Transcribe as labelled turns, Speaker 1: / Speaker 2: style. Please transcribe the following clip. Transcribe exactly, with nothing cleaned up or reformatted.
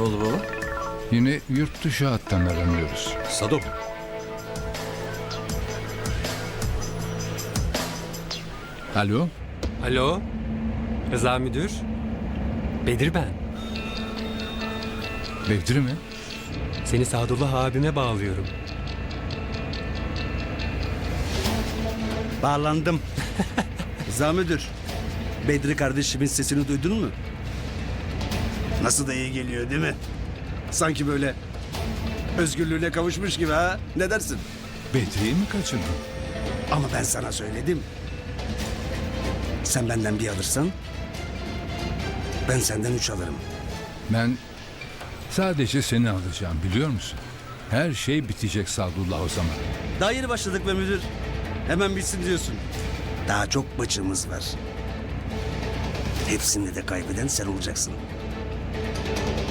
Speaker 1: oldu baba?
Speaker 2: Yine yurt dışı hattan aranıyoruz.
Speaker 1: Sado.
Speaker 2: Alo?
Speaker 3: Alo, Rıza Müdür. Bedir ben.
Speaker 2: Bedri mi?
Speaker 3: Seni Sadullah abime bağlıyorum.
Speaker 4: Bağlandım. Rıza müdür. Bedri kardeşimin sesini duydun mu? Nasıl da iyi geliyor değil mi? Sanki böyle özgürlüğüne kavuşmuş gibi ha? Ne dersin?
Speaker 2: Bedri'yi mi kaçırdın?
Speaker 4: Ama ben sana söyledim. Sen benden bir alırsan ben senden üç alırım.
Speaker 2: Ben sadece seni alacağım, biliyor musun? Her şey bitecek Sadullah o zaman.
Speaker 4: Daha yeni başladık be müdür. Hemen bitsin diyorsun. Daha çok maçımız var. Hepsini de kaybeden sen olacaksın.